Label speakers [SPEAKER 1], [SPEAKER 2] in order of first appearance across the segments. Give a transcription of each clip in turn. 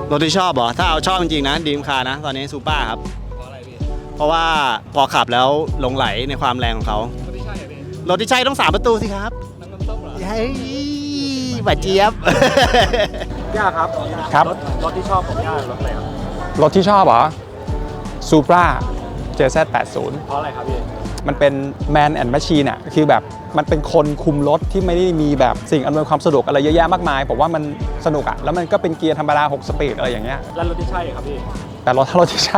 [SPEAKER 1] รถที่ชอบเหรอถ้าเอาชอบจริงๆนะดีมคาร์นะตอนนี้ซูเปอร์ครับเพราะอะไรพี่เพราะว่าพอขับแล้วหลงไหลในความแรงของเขารถที่ใช่พี่รถที่ใช่ต้อง3ประตูสิครับน้ำส้มเหรอเฮ้ยบาดเจี๊ยบย่าครับ
[SPEAKER 2] ครับ
[SPEAKER 1] รถที่ชอบของย่ารถอะไรครับ
[SPEAKER 2] รถที่ชอบเหรอ Supra JZ80
[SPEAKER 1] เพราะอะไรครับพี่
[SPEAKER 2] มันเป็น Man and Machine อ่ะคือแบบมันเป็นคนคุมรถที่ไม่ได้มีแบบสิ่งอำนวยความสะดวกอะไรเยอะแยะมากมายผมว่ามันสนุกอ่ะแล้วมันก็เป็นเกียร์ธรรมดา6สปีดอะไรอย่างเงี้ย
[SPEAKER 1] แล้วรถที่ใช่ครับพี่
[SPEAKER 2] แต่ถ้ารถที่ใช่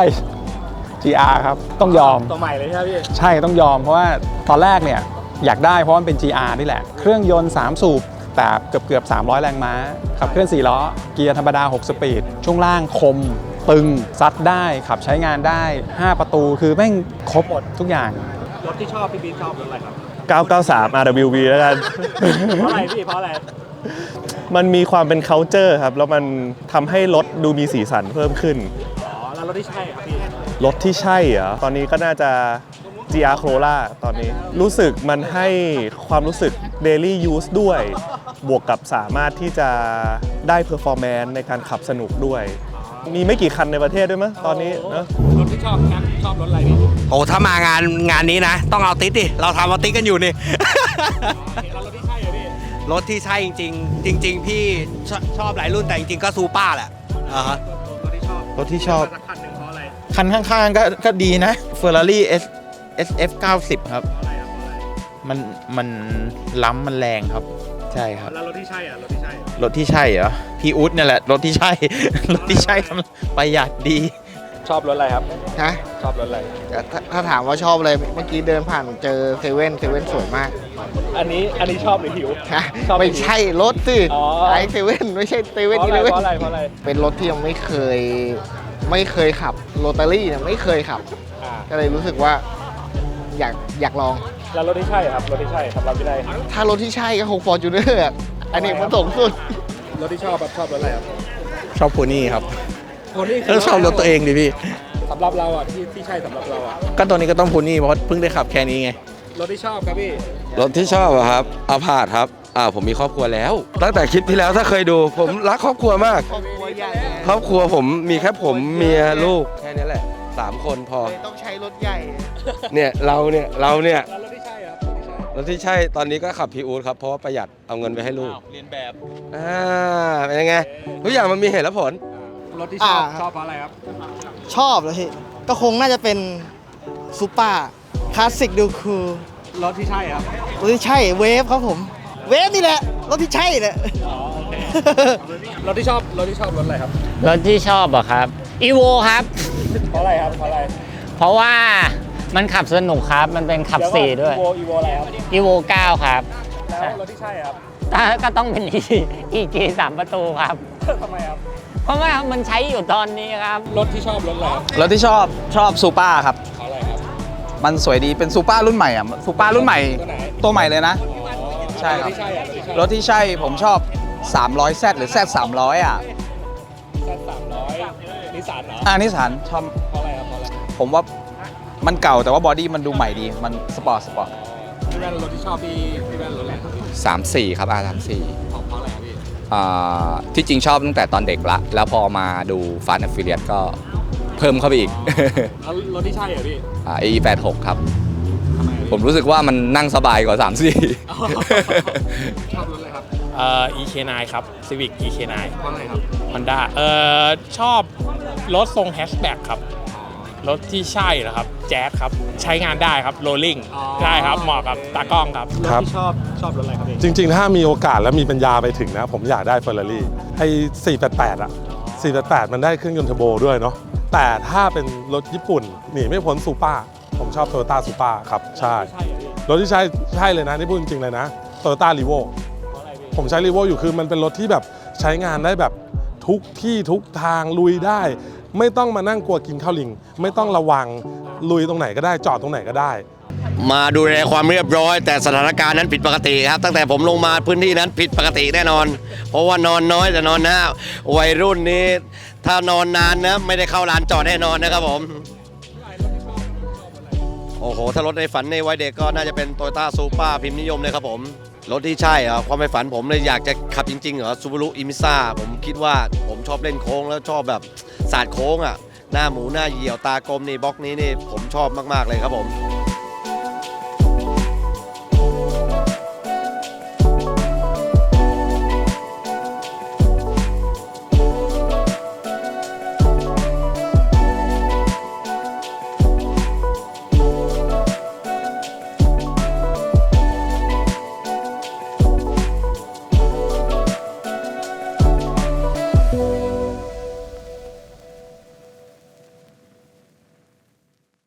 [SPEAKER 2] GR ครับต้องยอม
[SPEAKER 1] ตัวใหม่เลยใช่ไหมพี่
[SPEAKER 2] ใช่ต้องยอมเพราะว่าตอนแรกเนี่ยอยากได้เพราะมันเป็น GR นี่แหละเครื่องยนต์3สูบแต่เกือบ300แรงม้าขับเคลื่อน4ล้อเกียร์ธรรมดา6สปีดช่วงล่างคมตึงซัดได้ขับใช้งานได้5ประตูคือแม่งครบหมดทุกอย่าง
[SPEAKER 1] รถที่ชอบพี่บีชอบรถอะไรครับ
[SPEAKER 3] 993 RWV แล้วกัน
[SPEAKER 1] เพราะอะไรพี่เพราะอะไร
[SPEAKER 3] มันมีความเป็น culture ครับแล้วมันทำให้รถดูมีสีสันเพิ่มขึ้น
[SPEAKER 1] อ๋อแล้วรถที่ใช่ครับพี่
[SPEAKER 3] รถที่ใช่เหรอตอนนี้ก็น่าจะ GR Corolla ตอนนี้รู้สึกมันให้ความรู้สึก daily use ด้วยบวกกับสามารถที่จะได้ performance ในการขับสนุกด้วยมีไม่กี่คันในประเทศด้วยมั้ยตอนนี้นะ
[SPEAKER 1] รถที่ชอบนะชอบรถอะไรพี่
[SPEAKER 4] โอ้ถ้ามางานนี้นะต้องเอาติ๊ดดิเราทำเอาติ๊ดกันอยู่นี่
[SPEAKER 1] รถที่ใช่เหรอพี่
[SPEAKER 4] รถที่ใช่จริงๆจริงๆพี่ชอบหลายรุ่นแต่จริงๆก็ซูเปอร์แหละ
[SPEAKER 1] รถที่ชอบคันหนึ่งเพราะอะไรคัน
[SPEAKER 5] ข้างๆก็ดีนะ Ferrari SF 90ครับมันล้ำมันแรงครับใช่ครับ
[SPEAKER 1] แล้วรถที่ใช่อ่ะรถที่ใช่
[SPEAKER 5] เหรอพี่อุ๊ดนี่แหละรถที่ใช่รถที่ใช่ประหยัดดี
[SPEAKER 1] ชอบรถอะไรครับ
[SPEAKER 5] ฮะ
[SPEAKER 1] ชอบรถอะไร
[SPEAKER 5] ถ้าถามว่าชอบอะไรเมื่อกี้เดินผ่านเจอเซเว่นสวยมาก
[SPEAKER 1] อันนี้ชอบหรือหิว
[SPEAKER 5] ไม่ใช่รถสิไอเซเว่นไม่ใช่เซเว่นอีเลเว่นเพราะอะไรเป็นรถที่ยังไม่เคยขับโรตารี่เนี่ยไม่เคยขับก็เลยรู้สึกว่าอยากลอง
[SPEAKER 1] แล้วรถที่ใช่ครับรถที่ใช่สำหรับพี่ได้
[SPEAKER 5] ถ้ารถที่ใช่ก็คง Fortuner อันนี้มันสูงสุด
[SPEAKER 1] รถที่ชอบครับชอบรถอะไรครับ
[SPEAKER 2] ชอบโพนี่ครับ
[SPEAKER 1] โพนี่
[SPEAKER 2] แล้วชอบรถตัวเองดิพี่
[SPEAKER 1] สำหรับเราอ่ะที่ใช่สำหรับเราอ่ะ
[SPEAKER 2] ก็ตัวนี้ก็ต้องโพนี่เพราะเพิ่งได้ขับแค่นี้ไง
[SPEAKER 1] รถที่ชอบครับพี่
[SPEAKER 6] รถที่ชอบอะครับอาพาธครับผมมีครอบครัวแล้วตั้งแต่คลิปที่แล้วถ้าเคยดูผมรักครอบครัวมากครอบครัวผมมีแค่ผมเมียลูกแค่นี้แหละ3 คนพอ
[SPEAKER 5] ต้องใช้รถใหญ่
[SPEAKER 6] เนี่ยเราเนี่ย
[SPEAKER 1] รถที่ใช่ครับ
[SPEAKER 6] รถที่ใช่ตอนนี้ก็ขับพีอูดครับเพราะว่าประหยัดเอาเงินไปให้ลูก
[SPEAKER 1] เรียนแบบ
[SPEAKER 6] เป็นยังไงทุกอย่างมันมีเหตุและผล
[SPEAKER 1] รถที่ชอบเพราะอะไรครับ
[SPEAKER 5] ชอบเลยพี่ก็คงน่าจะเป็นซูเปอร์คลาสสิกดูคูล
[SPEAKER 1] รถที่ใช่ครับ
[SPEAKER 5] รถที่ใช่เวฟครับผมเวฟนี่แหละรถที่ใช่แหละ
[SPEAKER 1] โอเครถที่ชอบรถอะไรครับ
[SPEAKER 7] รถที่ชอบอะครับอีโวครับ
[SPEAKER 1] เพราะอะไรครับเพราะอะไร
[SPEAKER 7] เพราะว่ามันขับสนุกครับมันเป็นขับ4ด้วย
[SPEAKER 1] อีโวอะไรครับ
[SPEAKER 7] อีโว9ครับ
[SPEAKER 1] แล้วรถที่ใช่ครับ
[SPEAKER 7] ก็ต้องเป็นEG 3ประตูครับ
[SPEAKER 1] ทำไมครับ
[SPEAKER 7] เพราะว่ามันใช้อยู่ตอนนี้ครับ
[SPEAKER 1] รถที่ชอบรถอะไร
[SPEAKER 2] รถที่ชอบซูเปอร์ครับ
[SPEAKER 1] เพราะอะไรครับ
[SPEAKER 2] มันสวยดีเป็นซูเปอร์รุ่นใหม่อ่ะซูเปอร์รุ่นใหม่ตัวใหม่เลยนะใช่ครับรถที่ใช่ผมชอบ300Z หรือ Z300 อ่ะ
[SPEAKER 1] นิสสันเหรอ
[SPEAKER 2] นิสสันชอบ
[SPEAKER 1] เพราะอะไรครับ
[SPEAKER 2] ผมว่ามันเก่าแต่ว่าบอดี้มันดูใหม่ดีมันสปอร์ต
[SPEAKER 1] พี่แว่นรถที่ชอบพี่แว่นรถอะไรครับ
[SPEAKER 8] 34ครับR34
[SPEAKER 1] เพราะอะไรครับพี่
[SPEAKER 8] ที่จริงชอบตั้งแต่ตอนเด็กละแล้วพอมาดูFast and Furiousก็เพิ่มเข้าไปอีก
[SPEAKER 1] แล้วรถที่ใช่เหรอพี่
[SPEAKER 8] AE86ครับผมรู้สึกว่ามันนั่งสบายกว่า34
[SPEAKER 1] ชอบรถอะไรครับ
[SPEAKER 9] EK9 ครับ Civic EK9
[SPEAKER 1] เพราะอะไรครับ
[SPEAKER 9] Honda ชอบรถทรงแฮชแบ็กครับรถที่ใช่นะครับแจ๊สครับใช้งานได้ครับโรลลิ่งได้ครับเหมาะกับตากล้องครับ
[SPEAKER 1] รถที่ชอบรถอะไรครับ
[SPEAKER 3] จริงๆถ้ามีโอกาสและมีปัญญาไปถึงนะผมอยากได้ Ferrari ไอ้488อะ488มันได้เครื่องยนต์เทอร์โบด้วยเนาะแต่ถ้าเป็นรถญี่ปุ่นหนีไม่พ้นซูเปอร์ผมชอบ Toyota Supra ครับใช่รถที่ใช่เลยนะนี่พูดจริงๆเลยนะ Toyota Revo ผมใช้ Revo อยู่คือมันเป็นรถที่แบบใช้งานได้แบบทุกที่ทุกทางลุยได้ไม่ต้องมานั่งกลัวกินข้าวลิงไม่ต้องระวังลุยตรงไหนก็ได้จอดตรงไหนก็ได้
[SPEAKER 4] มาดูแลความเรียบร้อยแต่สถานการณ์นั้นผิดปกติครับตั้งแต่ผมลงมาพื้นที่นั้นผิดปกติแน่นอนเพราะว่านอนน้อยแต่นอนหน้าวัยรุ่นนี้ถ้านอนนานนะไม่ได้เข้าลานจอดแน่นอนนะครับผมโอ้โหถ้ารถในฝันในวัยเด็กก็น่าจะเป็น Toyota Supra พิมพ์นิยมเลยครับผมรถที่ใช่เหรอความใฝ่ฝันผมเลยอยากจะขับจริงๆเหรอซูบารุอิมิซ่าผมคิดว่าผมชอบเล่นโค้งแล้วชอบแบบศาสตร์โค้งอ่ะหน้าหมูหน้าเหยี่ยวตากลมนี่บล็อกนี้นี่ผมชอบมากๆเลยครับผม